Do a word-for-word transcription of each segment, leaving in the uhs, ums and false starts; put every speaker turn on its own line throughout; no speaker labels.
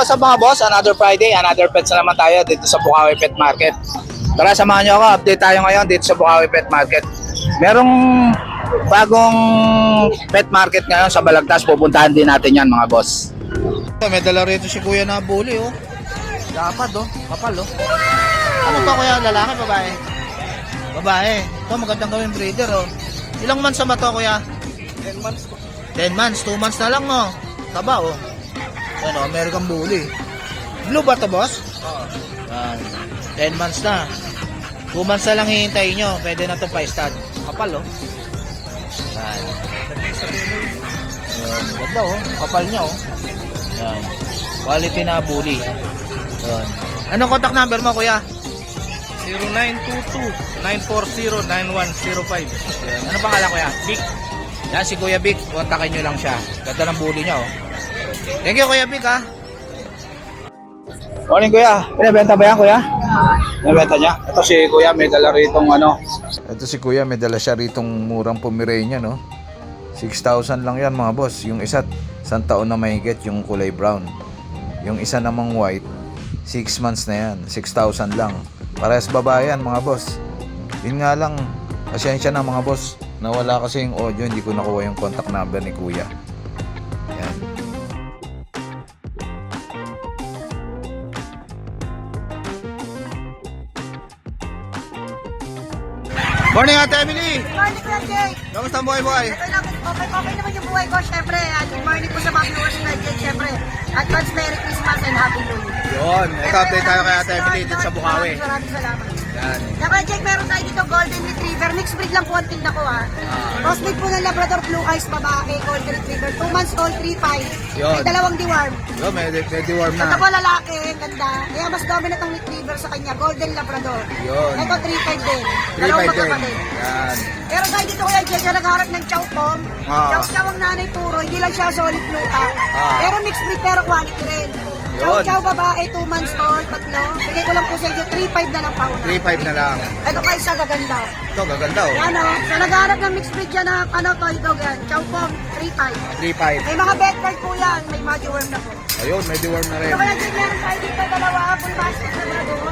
what's up mga boss? Another Friday, another pets na naman tayo dito sa Bukawi Pet Market. Tara, samahan nyo ako. Update tayo ngayon dito sa Bukawi Pet Market. Merong bagong pet market ngayon sa Balagtas. Pupuntahan din natin yan mga boss. May dala rito si kuya na bully oh. Dapat oh, kapal oh. Ano ba kuya? Lalaki, babae? Babae. Ito magandang gawin breeder oh. Ilang months na ba ito kuya?
ten months po.
ten months, two months na lang no. Taba oh. Ano, American Bully. Blue ba ito boss?
Oo.
Yan. ten months na. two months na lang hihintayin nyo. Pwede na ito pa-stud. Kapal oh. Yan. Yan. Ganda oh. Kapal niya oh. Yan. Quality na bully. Yan. Anong contact number mo kuya?
zero nine two two, nine four zero, nine one zero five.
Yan. Ano pangalan kuya?
Big.
Yan si Kuya Vic. Kontakin nyo lang siya. Ganda ng bully niya oh. Thank you Kuya Vic ha. Morning Kuya. Pinabenta ba yan Kuya? Pinabenta niya. Ito si Kuya may dala ritong ano.
Ito si Kuya, may dala siya ritong murang Pomeranian, no? six thousand lang yan mga boss. Yung isa, isang taon na mahigit yung kulay brown. Yung isa namang white, six months na yan. six thousand lang. Parehas babae yan mga boss. Yun nga lang, pasensya na mga boss. Nawala kasi yung audio, hindi ko nakuha yung contact number ni Kuya. Yan.
Morning Ate Emily.
Good morning, Kuya Jake.
Kamusta ang buhay-buhay?
Ito lang, okay, okay naman yung buhay ko, syempre. At good morning po sa mga viewers na Jake, syempre. Advance Merry Christmas and Happy New Year.
Yun, ito update tayo kay Ate Emily dito sa Bukawi.
Maraming maraming salamat.
Yan.
Saka Jake, meron tayo dito Golden Retriever. Mixed breed lang po ang tinda ko ha. Crossbreed po ng Labrador Blue Eyes, babae, Golden Retriever. two months old, three five.
Yun.
May dalawang deworm.
Yun, may, may deworm
Ito
na.
po lalaki, ganda. Kaya mas dominant ang Retriever sa kanya, Golden Labrador.
Yun.
Ito three five din.
three
Dalawang
five din.
magkapatid.
Yan.
Pero tayo dito kuya Jake, na nagharap ng chow pom.
Ah.
Chow chow ang nanay puro, hindi lang siya solid blue out.
Ah.
Pero mixed breed pero quality rin. Chow
Yun.
chow babae, two months old, tatlo. Bigay ko lang po sa inyo, three five na lang pauna.
three five na lang.
Ito kayo sa gaganda.
Ito, gaganda oh.
Yan o, sa nagharap ng mixed breed yan na ano to, ito gan. Chow pom, three five.
three five.
May mga bed card po yan, may muddy worm na po.
Ayun, may deworm na rin.
Ito kaya Jake, meron tayo dito dalawa, full mastic labrador.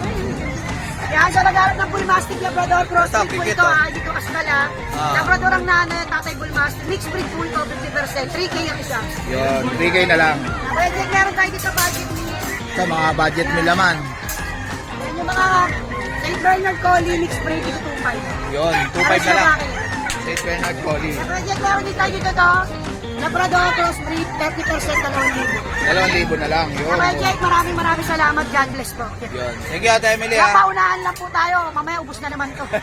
Yan, sa nagharap ng bull mastic labrador, crossbreed po
kikit,
ito
oh.
ha, dito kasdala.
Ah.
Labrador ang nanay, tatay bull mastic, mixed breed po ito, fifty percent, three K ang isa.
Yun, three K na lang.
Kaya Jake, meron tayo dito budget meal.
Ito, mga budget meal naman.
Yan yung mga Saint Bernard Collie, mixed breed, ito two five.
Yun, two five na lang. Saint Bernard Collie.
Kaya Jake, meron din tayo dito to, Labrador crossbreed, thirty percent dalawang libo.
Dalawang libo na lang. Yun.
Kaya Jake, maraming maraming salamat, God bless po.
Yun. Thank you Ate Emily
Kaya
ha.
paunahan lang po tayo, mamaya ubus na naman to.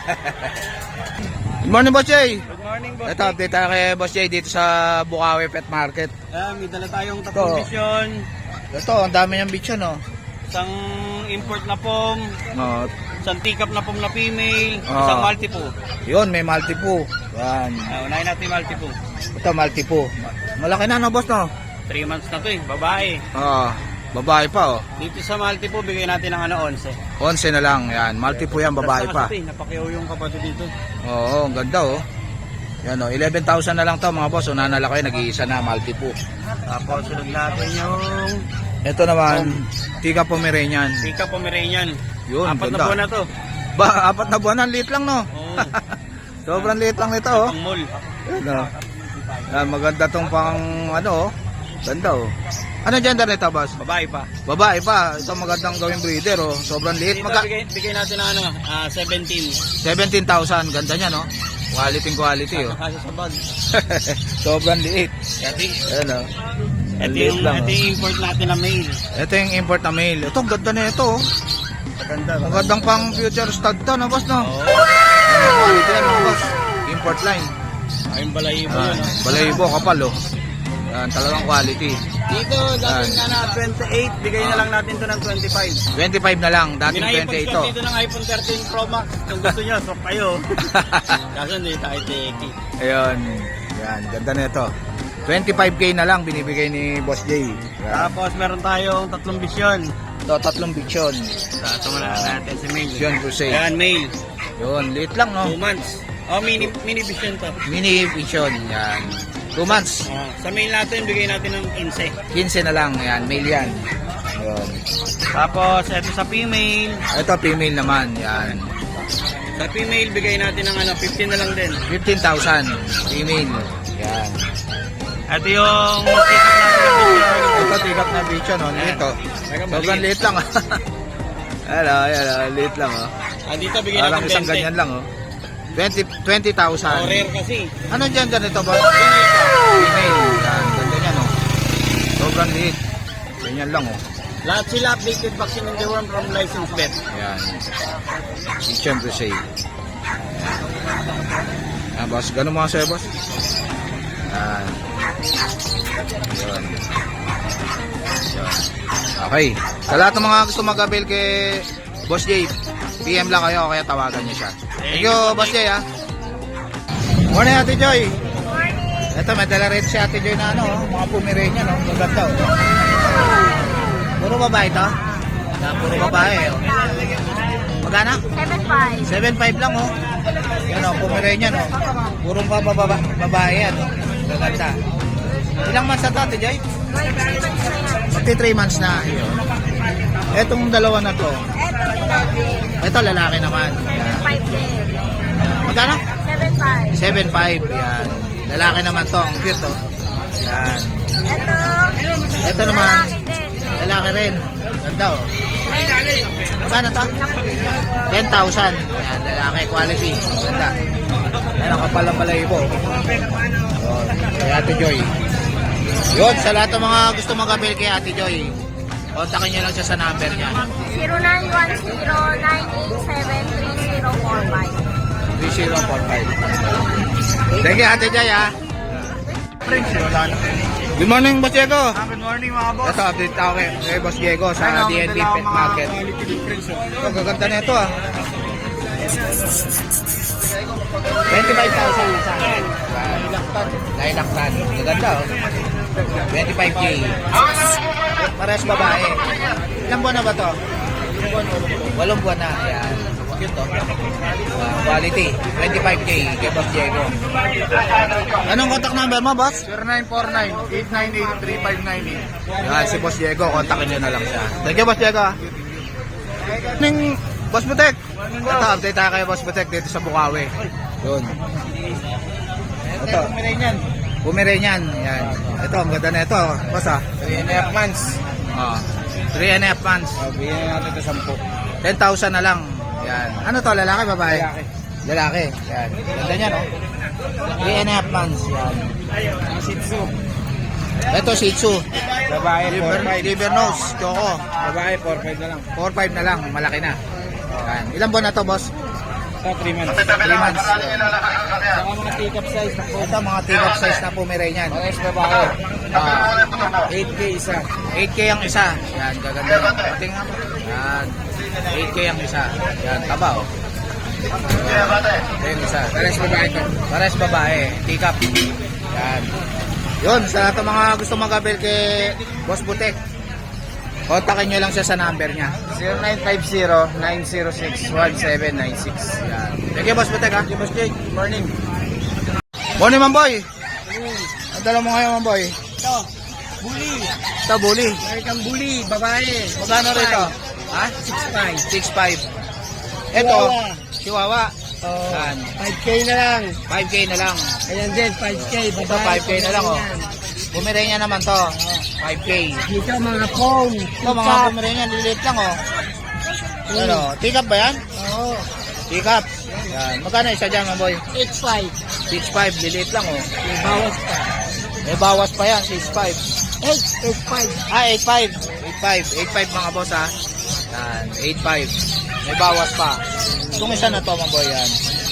Good morning Boss Jay.
Good morning, boss.
Ito, update tayo kay Boss Jay dito sa Bukawi Pet Market.
Ayan, may dala tayong tatlong
Ito.
vision.
Ito, ang dami niyang bitch no.
Isang import na pom,
Oh,
isang teacup na pom na female,
Ah.
isang multi-po.
yun, may multi po. Yan.
Uh, unahin natin yung multi-po.
Ito, multi po. Malaki na no, boss no?
three months na to eh, babae.
Ah, babae pa oh.
Dito sa multi-po, bigay natin ng ano, eleven.
Onse na lang. Yan, multi po yan, babae pa.
Kasi napakiyaw yung kapatid dito.
Oo, ang ganda oh. Yan oh, eleven thousand na lang to mga boss. Una na lang kayo, nag-iisa na, multi po.
Tapos sunod natin yung
Ito naman, Tika Pomeranian.
teacup Pomeranian.
Yun,
Apat na
ganda.
buwan na to.
Ba, apat na buwan, ang liit lang no.
Oo.
Sobrang liit lang nito oh.
Pang mall.
Yan oh. Yan, maganda tong pang ano oh. Ganda oh. Ano gender nito boss?
Babae pa.
Babae pa. Ito magandang gawing breeder oh. Sobrang liit.
Dito
Maga
bigay, bigay natin ng ano, ah, seventeen.
seventeen thousand. Ganda niya no. Quality quality oh.
Kasi sa bag.
Sobrang liit.
Kasi,
Ayan oh.
ito
Ang liit
yung,
lang,
ito
oh.
yung import natin na male.
Ito yung import na male. Ito, ang ganda na ito oh.
Maganda.
Magandang pang future stud to no boss no.
Oo.
Ano quality yan no boss. Import line.
Ayun balayibo
Ah,
yun. Oh.
balayibo kapal oh. Yan, talagang quality.
Dito, dating
Yan.
nga na twenty-eight, bigay na lang natin to ng twenty-five.
twenty-five na lang, dating
Minaipon
twenty-eight
ko
to.
dito ng iPhone thirteen Pro Max. Kung gusto nyo, so kayo. Kaso hindi tayo teki.
Ayun. Yan, ganda na ito. twenty-five K na lang binibigay ni Boss Jay. Yan.
Tapos meron tayong tatlong bisyon.
Ito, tatlong bichon.
Sa ito muna natin si male.
Bichon crusade.
Ayan, male.
Yun, liit lang no.
two months. Oh, mini mini bisyon to.
Mini bichon. Yan. two months.
Ah, sa male natin, bigay natin ng quince.
quince na lang. Yan, male yan. Yun.
Tapos, ito sa female.
Ito, female naman. Yan.
Sa female, bigay natin ng ano, fifteen na lang din.
fifteen thousand. Female. Yan.
Ito yung pick-up natin.
Ito, tigap na bicho, no? Ito. Sobrang liit lang, ah. Hello, hello. Liit lang, oh.
Ah, dito, bigay
Parang
natin
isang
twenty.
ganyan lang, oh. twenty thousand.
Oh, rare kasi.
Ano dyan ganito ba? Female. Yan, ganda niya, no? Sobrang liit. Ganyan lang, oh.
Lahat sila updated vaccine and deworm from licensed vet.
Yan. Kitchen to say. Yan, boss. Ganun mga sa'yo, boss. Yan. Yun. Yun. Okay. Sa lahat ng mga gusto mag-avail kay Boss Jay, P M lang kayo, kaya tawagan niyo siya. Thank you, Boss Jay, ha. Morning, Ate Joy. Ito, may dala rin si Ate Joy na ano, oh, mga Pomeranian, no? Maganda, oh. Puro babae ito? Yan, puro babae, oh. Magana?
seven five.
seven five lang, oh. Yan, oh, Pomeranian, oh. Purong pa baba, babae yan, oh. Maganda. Ilang months na ito, Ate Joy? fifty-three months na. Yun. Etong dalawa na to. Ito, lalaki naman. Yan.
five din.
Magkano?
seven five.
seven five. Yan. Lalaki naman to. Ang cute, oh. Yan.
Ito.
Ito naman.
Lalaki din.
Lalaki rin. Ganda, oh. Magkano to? ten thousand. Yan, lalaki. Quality. Ganda. Yan ang kapal ng balayibo. Yun. Kay Ate Joy. Yun, sa lahat ng mga gusto mag-avail kay Ate Joy, kontakin niyo lang siya sa number niya.
zero nine one zero nine eight seven three zero four five.
three zero four five. Thank you, Ate Joy, ha. Good morning, Boss Diego.
Good morning mga boss.
Ito, update ako kay, kay Boss Diego sa D N B Pet Market.
Quality difference.
Ito, gaganda na ito, ah. twenty-five thousand isa. Lilac tan. Gaganda, oh. twenty-five K. Parehas babae. Ilang buwan na ba to? Walong buwan na. Ayan. Cute, oh. Uh, quality. twenty-five K kay Boss Diego. Anong contact number mo, boss?
zero nine four nine eight nine eight three five nine eight.
Yan, si Boss Diego. Kontakin nyo na lang siya. Thank you, Boss Diego, ah. Ning Boss Butek. Ito, update tayo kay Boss Butek dito sa Bukawi. Yun. Ito.
Pomeranian.
Pomeranian. Yan. Ito, ang ganda na ito. Boss, ah.
three and a half months.
Oh, three and a half months.
Oh, bigyan natin ito sampu.
ten thousand na lang. Yan. Ano to, lalaki, babae?
Lalaki.
Lalaki. Yan. Ganda niya, no? three and a half months. Yan.
Ang Shih Tzu.
Ito, Shih Tzu.
Babae, four
Liver,
five.
liver nose. Choco.
Babae, four five na lang.
four five na lang. Malaki na. Yan. Ilang buwan na to, boss?
Sa three months.
three months.
Saka mga take-up size na po.
Ito, mga tigap size na Pomeranian.
Parehas babae.
Ah,
eight K isa.
eight K ang isa. Yan, gaganda. Pati nga po. Yan. eight K ang isa. Yan, taba, oh. Ito yung isa.
Parehas babae ito.
Pares babae. Tikap. Yan. Yun, sa lahat ng mga gusto mag-avail kay Boss Butek, kontakin nyo lang siya sa number niya.
zero nine five zero nine zero six one seven nine six.
Yan. Thank you, Boss Butek, ha?
Boss Jake, morning.
Morning, Mamboy. Ang dala mo ngayon, Mamboy.
Ito, bully.
Ito, bully.
American bully, babae.
Magkano rito? Ha?
six five.
six five. Ito, Chihuahua.
Oh,
Yan.
five K na lang.
five K na lang.
Ayan din, five K. Babae.
Ito, five K na lang, oh. Pomeranian naman to. five K.
Dito mga phone.
Ito, mga Pomeranian, liliit lang, oh. Ano, tikap ba yan?
Oo.
Tikap. Yan. Magkano isa dyan, Mamboy?
eight five.
six five, liliit lang, oh.
May bawas pa.
May bawas pa yan, six five.
eight, eight five.
Ah, eight five. eight five. eight five mga boss, ha. Yan, eight five. May bawas pa. Itong isa na to, Mamboy, yan.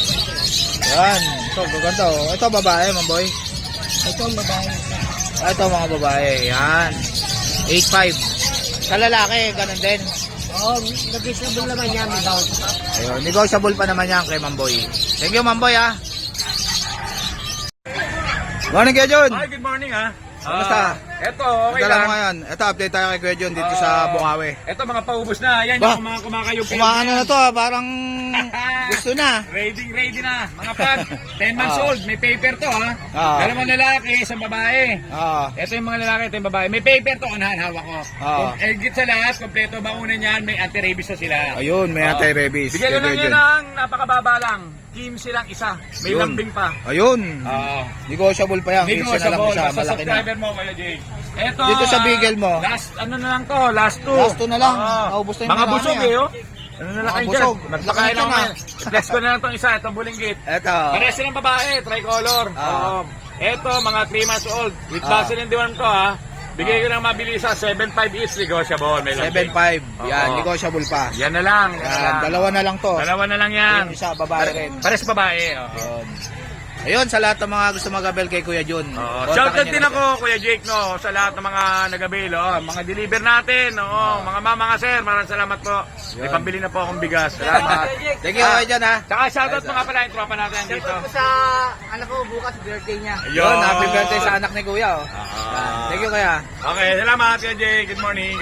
Yan. Ito, gaganda, oh. Ito, babae, Mamboy.
Ito ang babae.
Ah, ito, mga babae. Yan. eight five. Sa lalaki, ganun din.
Oo, oh, nag-reasonable naman yan. May bawas pa.
Ayun, negotiable pa naman yan kay Mamboy. Thank you, Mamboy, ha. Morning, Kuya Jun.
Hi, good morning ha.
Kamusta?
Eto, okay
Dala
lang.
mo ngayon. Ito, update tayo kay Kuya John dito sa
Ah,
Bukawi.
Eto, mga paubos na. Yan
Ba?
yung mga kumakayong
Kumaano na to, ah, parang gusto na.
Ready, ready na. Mga pag, ten months
Ah.
old. May paper to, ha?
Ah.
Dalawang lalaki, isang babae.
Ah,
Ito yung mga lalaki, ito yung babae. May paper to, unahan, hawak ko.
Ah.
Kung eh, git sa lahat, kompleto bakuna niyan, may anti-rabies na sila.
ayun, may
Ah.
anti-rabies.
Bigyan
kay
ko lang
Kuya
yan
John.
ng napakababa lang. Kimsi lang isa. May
Yun.
lambing pa.
Ayun.
Oo.
Negotiable pa yan.
Hindi ko
Kinsa na lang
sa
isa,
Basta
malaki na.
subscriber mo, Kuya Jake. Eto,
Dito sa
ah,
Bigel mo.
Last, ano na lang to, last two.
Last two na lang.
Oo.
Naubos na yung
Mga
marami,
busog
ah.
eh, oh. Ano na lang
Mga
kayo dyan?
busog.
Nagpakain
Laki
ako
na.
ngayon. Flex ko na lang itong isa, itong bulinggit.
Ito.
Pares silang babae, tricolor.
Ah.
Oo. Eto, mga three months old. With
Ah.
vaccine and diwan ko, ha. Bigay ko ng mabilis sa seven five each negotiable. May lambing.
seven five. Yan,
Oo.
negotiable pa.
Yan na lang. yan na
Yan,
lang.
dalawa na lang to.
Dalawa na lang yan.
Yung isa, babae rin.
Pares babae. Oo.
Ayun. Ayun, sa lahat ng mga gusto mag-abel kay Kuya John.
Oo.
kontakin
Shoutout
niyo
din
na
ako, Kuya Jake, no, sa lahat ng mga nag-avail, oh, mga deliver natin, oo, mga mama, mga sir, maraming salamat po. May
Yun.
pambili na po akong bigas. Salamat.
Thank you, Kuya John, ha.
Tsaka shoutout mga pala yung tropa natin dito.
sa anak ko bukas birthday niya.
Ayun.
Yun, happy birthday sa anak ni Kuya. Oh.
Ah.
Thank you, Kuya.
Okay, salamat, Kuya Jake. Good morning.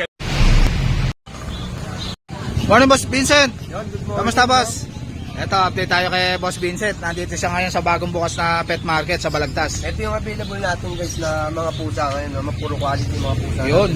Morning, Boss Vincent. Kamusta, Boss? Ito, update tayo kay Boss Vincent. Nandito siya ngayon sa bagong bukas na pet market sa Balagtas.
Ito yung available natin guys na mga pusa ngayon, no? Mga puro quality mga pusa.
Yun.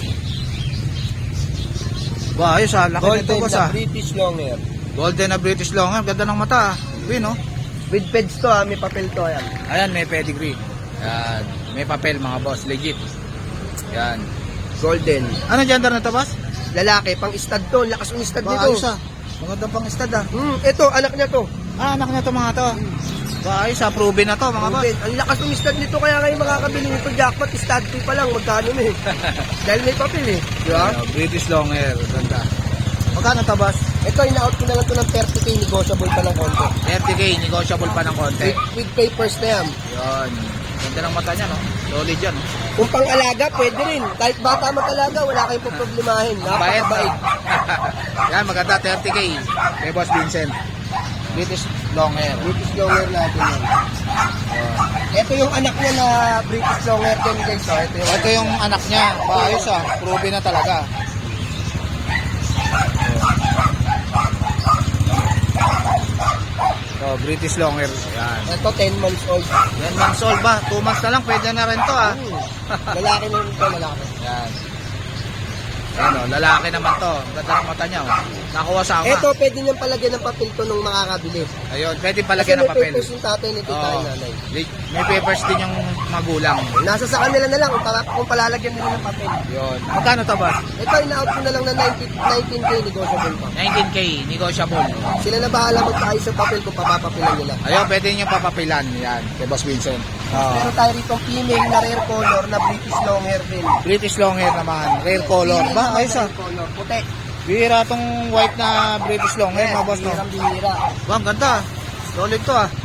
Ba, ayos ha. Laki nito,
Golden
Boss,
na
ha.
British Longhair.
Golden na British Longhair. Ganda ng mata, ha. Win, oh.
With peds to ha, may papel to yan.
Ayan, may pedigree. Yan. May papel, mga boss. Legit. Yan.
Golden.
Ano gender na to, Boss?
Lalaki, pang stud to. Lakas ng stud
Ba,
nito.
ayos, ha. Maganda pang stud, ha.
Hmm, ito, anak niya to.
Ah, anak na to, mga to. Ba, ayos, ha. Proven na to, mga boss.
Golden. Ang lakas ng stud nito, kaya ngayon makakabili nito jackpot. Stud fee pa lang, magkano na eh. Dahil may papel eh. Di ba?
Ayan, British Longhair. Ganda. Magkano to, Boss?
Ito, ina-out ko na lang to ng thirty K, negotiable pa ng konti.
thirty K, negotiable pa ng konti.
With, with papers na yan.
Yun. Ganda ng mata niya, no? Solid yan, no?
Kung pang-alaga, pwede rin. Kahit bata mag-alaga, wala kayong problemahin.
Bayad,
Napakabait.
Yan, maganda, thirty K. Kay Boss Vincent. British Longhair.
British Longhair natin yan. Ito yung anak niya na British Longhair din guys. Oh. Ito yung
Ito yung anak niya. Ba, ayos, ha. Proven na talaga. So, British Longhair. Yan.
Ito ten months old.
Yan, months old ba? two months na lang, pwede na rin to, ha.
Hmm. Lalaki na rin ito, lalaki.
Yan. Ano, lalaki naman to. Ganda ng mata niya, oh. Nakuha sa ama.
Ito, pwede niyang palagyan ng papel to nung makakabili.
Ayun, pwede
Kasi
palagyan ng
may
papel.
papers yung tatay nito
Oo.
tayo nanay.
May papers din yung magulang.
Nasa sa kanila na lang kung, para, kung palalagyan nila ng papel.
Yun. Magkano to, Boss?
Ito, ina-out ko na lang ng nineteen K negotiable pa.
nineteen K, negotiable.
Sila na bahala magkaayos sa papel kung papapapilan nila.
Ayun, pwede niyo papapilan. Yan, kay Boss Vincent.
Meron tayo rito female na rare color na British Longhair din.
British Longhair naman. Rare color.
Female
Ba,
na
ayos, ah.
rare color. Puti.
Bihira tong white na British Longhair, mga boss, no?
Bihirang bihira.
Ba, ang ganda. Solid to, ah.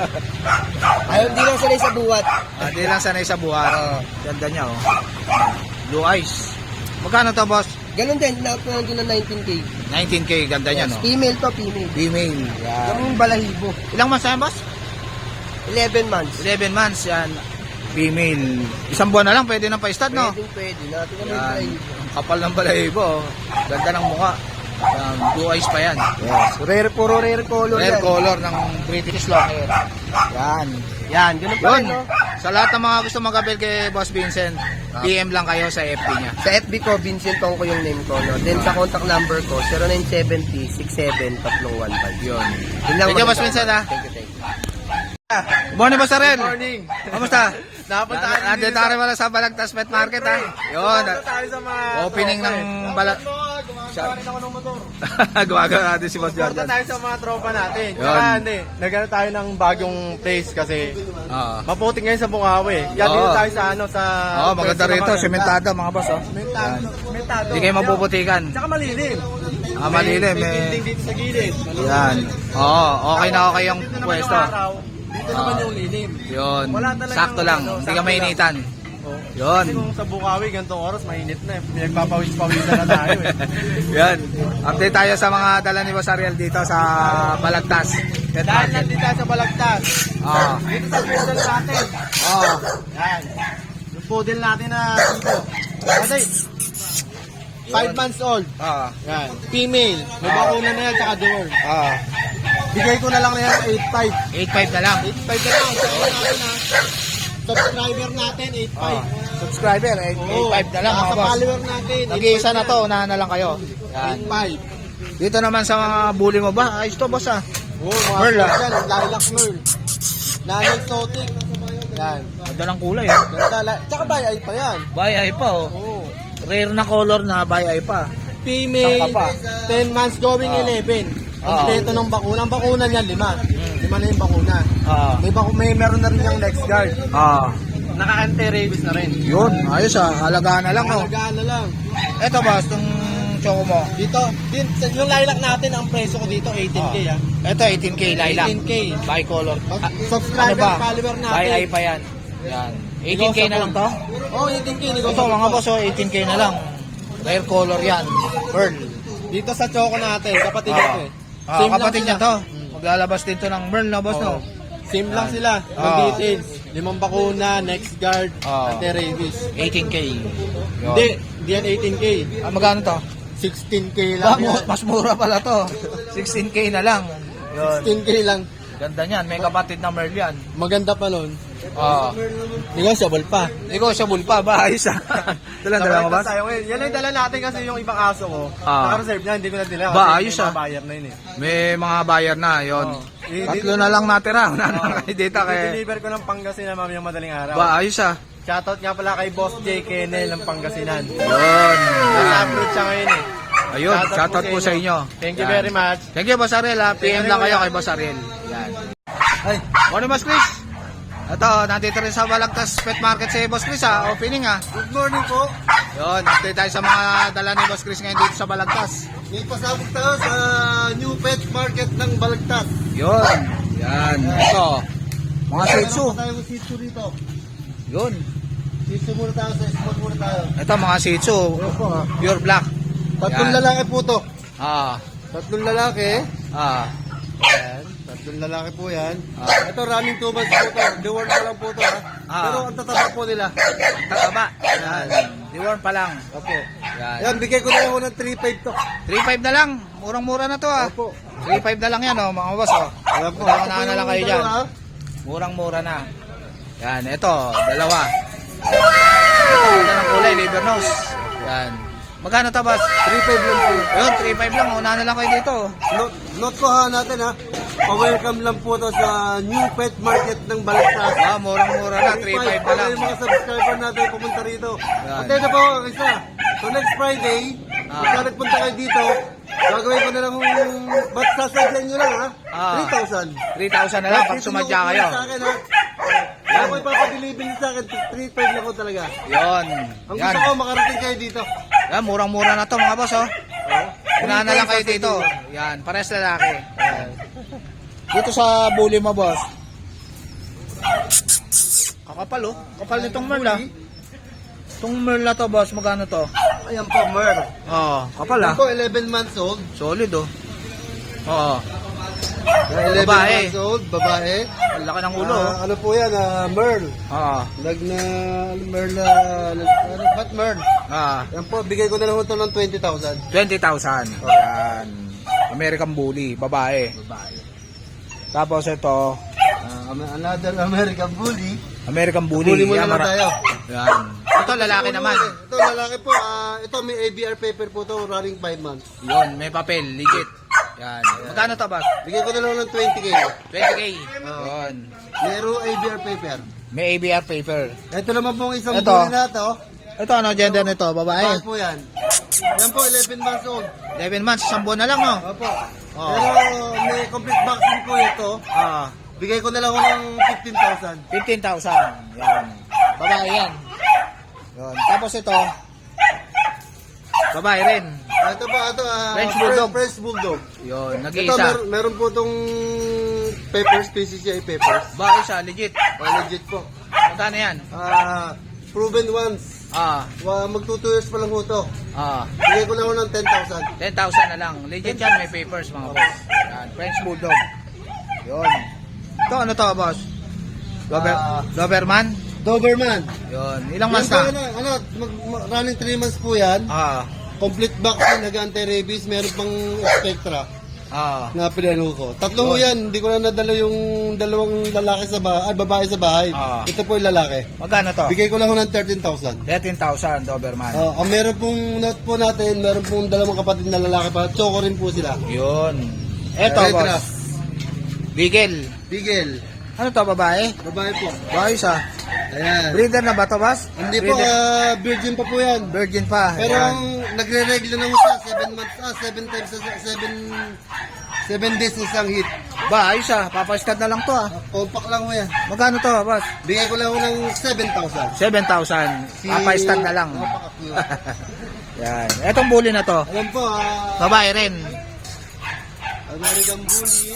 Ayaw, di lang sila sa buwat.
Ah, di lang sanay sa buhat. Ganda niya, oh. Blue eyes. Magkano to, boss?
Ganun din, ina-out ko lang din ng nineteen K.
nineteen K, ganda niya, no?
Female to, female.
Female. Yan.
Yung balahibo.
Ilang months na yan, boss?
eleven months.
eleven months, yan. Female. Isang buwan na lang, pwede nang pa-stud, no?
Pwede, pwede. Natin kami yung
Yan.
balahibo.
Ang kapal ng balahibo, oh. Ganda ng mukha. Yan. Blue eyes pa yan.
Yes. Rare, puro rare color
Rare
yan.
color ng British Longhair. Yan.
Yan, ganun pa
Yun.
rin, no?
Sa lahat ng mga gusto mag-abel kay Boss Vincent, P M lang kayo sa F B niya.
Sa F B ko, Vincent Tongko yung name ko, no? Then sa contact number ko, zero nine seven zero six seven three one five.
Yun.
Yun lang.
Thank you,
maganda.
Boss Vincent, ha?
Thank you, thank you.
Good morning, Boss Arel.
Good morning.
Kamusta?
Napunta tayo dito
Nandito tayo wala sa Balagtas Pet Market, ha? Yun.
Napunta tayo sa mga
Opening
tropa,
ng
eh.
bala...
Gumagawa rin ako ng motor.
Gumagawa natin si Boss
Punta
Jordan.
tayo sa mga tropa natin.
Yun.
Tsaka hindi, nagano tayo ng bagong place kasi
Oo.
maputi ngayon sa Bukawi. Yan
Oo.
dito tayo sa ano sa
Oo, maganda rito. Sementado, mga boss, oh.
Sementado. Sementado.
Hindi kayo mapuputikan.
Tsaka malilim.
Ah, malilim,
May
eh.
building dito sa gilid. Malilim.
Yan. Oo, okay na okay yung
Dito naman
pwesto.
yung araw. Dito naman
Ah.
yung lilim.
Yun.
Wala talagang
Sakto lang.
ano,
Hindi ka
sakto
mainitan.
Oh.
Yun.
Kasi kung sa Bukawi, ganitong oras, mainit na eh. Pinagpapawis-pawisan na tayo eh.
Yan. Update tayo sa mga dala ni Boss Ariel dito sa Balagtas. Pet
Dahil
Market.
nandito tayo sa Balagtas.
Oo.
Dito sa personal natin.
Oo.
Yan. Gusto poodle natin na dito. Kasi, five months old.
Ah,
Yan. Female. May bakuna na yan, tsaka deworm.
ah.
Bigay ko na lang na yan sa eight five.
eight five na lang.
eight five na lang. Sa natin ha. Subscriber natin, eight five.
Ah. Subscriber, eight five na lang mga
Sa
boss.
follower natin,
Nag-iisa na to, unahan na lang kayo. Yan.
eight five.
Dito naman sa mga bully mo ba? Ayos to boss ah.
Oo, mga
Merl, ah.
yan, lilac merl. Nanay exotic. Yan.
Ganda ng kulay ah.
Ganda. la- Tsaka bay ay pa yan.
Bay ay pa oh.
Oo.
Rare na color na bay ay pa.
Female,
Saka pa.
ten months going
Ah.
eleven.
Ah.
Kompleto ng bakuna. Ang bakuna niyan, lima. Lima na yung bakuna.
Ah.
May, baku may meron na rin yung next guard.
Ah.
Naka-anti-rabies na rin.
Yun, ayos ah. Halagaan na lang oh.
Alagaan na lang.
Eto boss, itong choco mo.
Dito, din, sa- yung lilac natin, ang presyo ko dito, eighteen K ah.
Ito eighteen K lilac.
eighteen K.
Bicolor.
Mag-
Ah,
subscriber,
ano ba?
follower natin.
Bay ay pa yan. Yan. eighteen K na lang to?
Oh, eighteen K.
Ito mga boss oh, eighteen K na lang. Rare color yan. Pearl.
Dito sa choco natin, kapatid
Ah.
nito eh.
Ah,
Same lang
kapatid niya
sila.
to. Maglalabas din to ng Pearl na boss no.
Oo. Same lang sila. Ang
Ah.
details. Limang bakuna, next guard,
Ah.
anti-rabies.
eighteen K. Yun.
Hindi, hindi yan eighteen K.
Ah, magkano to?
sixteen K
Ba,
lang yan.
mas mura pala to. sixteen K na lang. Yun.
sixteen K lang.
Ganda niyan. May kapatid na Merl yan.
Maganda pa nun.
Ah.
Negotiable pa.
Negotiable pa ba? Ayos ah. Dalang dala mo ba?
Tayo ngayon. Yan ang dala natin kasi yung ibang aso ko.
Ah.
Naka-reserve na, hindi ko na dila.
Ba,
kasi
ayos
may
ah.
mga buyer na yun eh.
May mga buyer na. Yun.
Oo. Eh,
Tatlo na lang natira. Wala na lang kayo dito kay...
I-deliver ko ng Pangasinan mamayang madaling araw.
Ba, ayos ah.
Shoutout nga pala kay Boss J. Kennel ng Pangasinan.
Yun.
Nasa upload siya ngayon eh.
Ayun, shoutout po sa inyo.
Thank you
Yan.
very much.
Thank you, Boss Ariel ha. P M
Thank you,
lang kayo
Kuya.
kay Boss Ariel. Yan. Ay, morning Boss Chris. Ito, nandito rin sa Balagtas Pet Market si Boss Chris ha. Opening ha.
Good morning po.
Yun, update tayo sa mga dala ni Boss Chris ngayon dito sa Balagtas.
May pasabog tayo sa New Pet Market ng Balagtas.
Yun. Yan. Ito. Mga Shih Tzu.
Meron tayo Shih Tzu dito.
Yun.
Shih Tzu muna tayo, sa spot muna tayo.
Ito mga Shih Tzu.
Opo ha.
Pure black.
Tatlong
Yan.
lalaki po to.
Ah.
Tatlong lalaki.
Ah.
Ayan. Tatlong lalaki po yan.
Ah.
Ito running two months po to. Deworm pa lang po to ha.
Ah.
Pero ang tataba po nila.
Tataba. Yan. Deworm pa lang.
Opo.
Yan.
Ayan, bigay ko na lang ng three five to.
three five na lang. Murang-mura na to ah.
Opo.
three five na lang yan oh, mga boss oh.
Ayan po.
Unahan
Ito po
na lang
yung
kayo dyan.
dalawa.
Murang-mura na. Yan, ito, dalawa. Ito, ganda ng kulay, liver nose. Yan. Magkano to, boss?
three five lang po.
Yun, three five lang. Unahan na lang kayo dito.
Note, note ko ha natin ha. Pa-welcome lang po to sa New Pet Market ng Balagtas.
Ah, murang-mura na, three five na lang.
Para yung mga subscriber natin pumunta rito.
Yan.
At ito po, isa. So next Friday,
Ah.
pagka nagpunta kayo dito, gagawin ko na lang yung ba't sasadyan nyo lang ha?
Ah.
three thousand.
three thousand na lang pag
Dito
sumadya
yung
kayo.
Sa akin ha. Yan. Ako ipapadeliver sa akin, three five lang ko talaga.
Yun.
Ang
Yan.
gusto ko, makarating kayo dito.
Yan, murang-mura na to, mga boss, oh. Unahan na lang kayo
Three
dito. Yan, pares lalaki. Yan. Dito sa bully mo, boss. Kakapal, oh. Kapal nitong merl, ah. Itong merl na to, boss, magkano to?
Ayan po, Mer.
Oo, kapal, ah.
Ayan po, eleven months old.
Solid, oh. Oo.
eleven
Babae.
months old, babae.
Ang laki ng ulo, oh.
Ah, ano po yan, ah, Merl.
Oo.
Lag na, Merl na, ano, ba't Merl?
Ah,
Yan po, bigay ko na lang ito ng twenty thousand.
twenty thousand. Yan. American Bully, babae.
Babae.
Tapos ito,
Ah, another American Bully.
American Bully.
Bully mo
Yan,
naman
mara-
tayo.
Yan. Ito lalaki naman.
Ito, lalaki po. ah, ito, may A B R paper po to, running five months.
Yun, may papel, legit. Yan. Magkano to, boss?
Bigay ko na lang ng twenty K.
twenty K.
Oo.
Yun.
Meron A B R paper.
May A B R paper.
Ito naman po ang isang
Ito.
bully na to.
Ito, ano gender nito? Babae?
Bakit po yan? Yan po, eleven months old.
eleven months, isang buwan na lang, no?
Opo.
Oo.
Pero may complete vaccine po ito.
Ah,
Bigay ko na lang ako ng fifteen thousand.
fifteen thousand. Yan. Babae yan. Yun. Tapos ito, babae rin.
Ito po, ito, ah,
French Bulldog.
French Bulldog.
Yun,
Ito,
nag-iisa.
mer- meron po itong papers, P C C I papers.
Babae siya, legit.
Ah, legit po.
Magkano yan?
Ah, proven once.
Ah,
Wa, magto two years pa lang ho to.
ah.
Bigay ko na ako ng ten thousand.
ten thousand na lang. Legit yan, may papers mga boss. Yan, French Bulldog. Yun. Ito, ano to, boss? Dober,
Ah.
Doberman?
Doberman.
Yun. Ilang
Yan
months
po,
na?
Ano, ano mag, mag- running three months po yan.
Ah.
Complete vaccine, nag-anti-rabies, meron pang Spectra
Ah.
na pinano ko. Tatlo po yan, hindi ko na nadala yung dalawang lalaki sa bahay, ah, babae sa bahay.
Ah.
Ito po yung lalaki.
Magkano to?
Bigay ko lang ho ng thirteen thousand.
thirteen thousand Doberman.
Uh, ang meron pong note po natin, meron pong dalawang kapatid na lalaki pa. Choco rin po sila.
Yun. Eto,
Red
boss.
Ruff.
Beagle.
Bigel.
Ano to, babae?
Babae po.
Bayos ah.
Ayan.
Breeder na ba to, boss?
Hindi po,
Breeder.
ah, virgin pa po yan.
Virgin pa.
Pero
Ayan.
ang nagre-regla na ho siya, seven months, ah, seven times, sa seven, seven days isang hit.
Ba, ayos ah. Papastad na lang to ah.
Compact lang ho yan.
Magkano to, boss?
Bigay ko lang ho ng seven thousand.
seven thousand. Papastad na lang.
Napaka-cute.
Yan. Etong bully na to.
Alam po, ah,
Babae rin.
American Bully.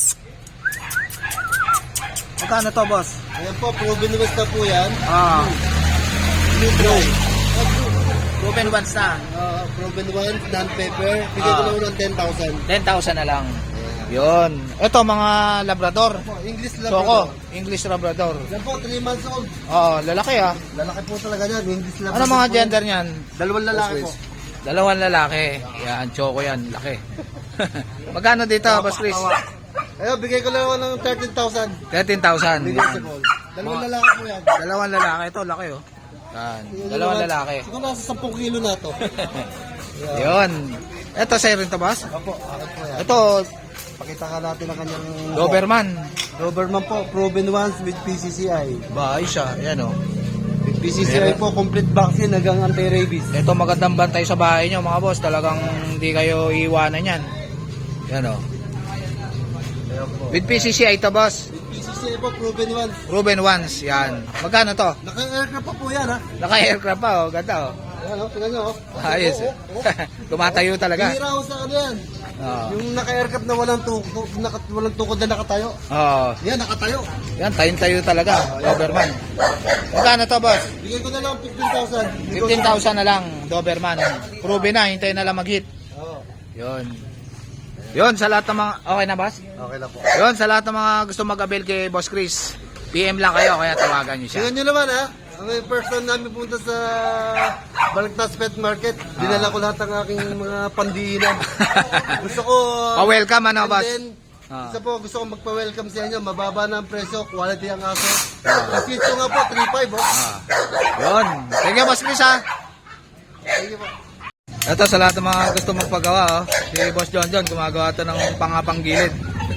Magkano to, boss?
Ayan po, proven West na po yan.
Ah.
Blue Brown.
Proven once na.
Uh, proven ones, non-paper. Bigay ko
Ah.
lang ho ng ten thousand.
ten thousand na lang. Yun. Ito, mga Labrador.
Po, English lang
Choco.
po.
English Labrador.
Yan po, three months old.
Oo, lalaki ah.
Lalaki po talaga yan. English lang
Ano
po
mga
po.
gender niyan?
Dalawang lalaki po.
Dalawang lalaki. Yan, Choco yan. Laki. Magkano dito, Boss Chris?
Ayun, bigay ko lang ho ng thirteen thousand.
thirteen thousand.
Negotiable. Dalawang
Mga-
lalaki po yan.
Dalawang lalaki. Ito, laki oh. Yan. Dalawang lalaki.
Siguro nasa sampung kilo na to.
Yun. Ito, sa'yo rin to, boss?
Opo, akit po yan.
Ito,
Pakita ka natin ang kanyang...
Doberman.
Doberman po, proven ones with P C C I.
Ba, ayos siya. Yan oh.
With P C C I po, complete vaccine hanggang anti-rabies.
Ito, magandang bantay sa bahay nyo, mga boss. Talagang hindi kayo iiwanan yan. Yan oh.
Ayan po.
With P C C I ito, boss.
With P C C I po, proven ones.
Ruben Ones. Yan. Magkano to?
Naka-aircraft pa po yan ha.
Naka-aircraft pa oh. Ganda oh.
Ayan o, tingnan nyo o.
Ayos.
Oo, oo, oo.
Tumatayo talaga.
Bihira ho sa ano yan.
Oo.
Yung naka-aircraft na walang tukod, naka, walang tukod na nakatayo.
Oo.
Yan, nakatayo.
Yan, tayong-tayo talaga. Doberman. Magkano to, boss?
Bigay ko na lang fifteen thousand.
fifteen thousand na lang, Doberman. Proven na, hintayin na lang mag-hit.
Oo.
Yun. Yun, sa lahat ng mga... Okay na, boss?
Okay lang po.
Yun, sa lahat ng mga gusto mag-avail kay Boss Chris, P M lang kayo, kaya tawagan nyo siya.
Tingnan nyo naman ha. Ang first time namin punta sa Balagtas Pet Market, dinala ko lahat ng aking mga pandiinan. Gusto ko...
Pa-welcome, ano,
and
boss?
then,
Ah.
isa po, gusto ko magpa-welcome sa inyo. Mababa na ang presyo, quality ang aso. Kasi ito nga po, three five oh.
Ah. Yun. Thank you, Boss Chris, ha?
Thank you po.
Ito, sa lahat ng mga gusto magpagawa, oh. Si Boss John John, gumagawa ito ng pangapanggilid.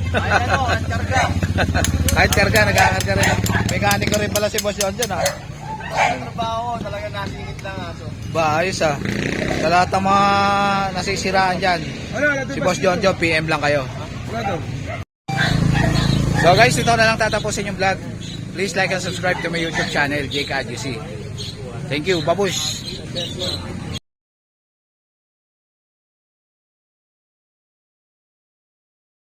Kahit karga, nagkakarga rin. Mekaniko rin pala si Boss John John, ha?
Trabaho, talaga nasingit lang aso.
Ba, ayos, ha? Sa lahat ng mga nasisiraan dyan, si Boss John John, P M lang kayo. So guys, ito na lang tatapusin yung vlog. Please like and subscribe to my YouTube channel, Jake Adjusi. Thank you, babush!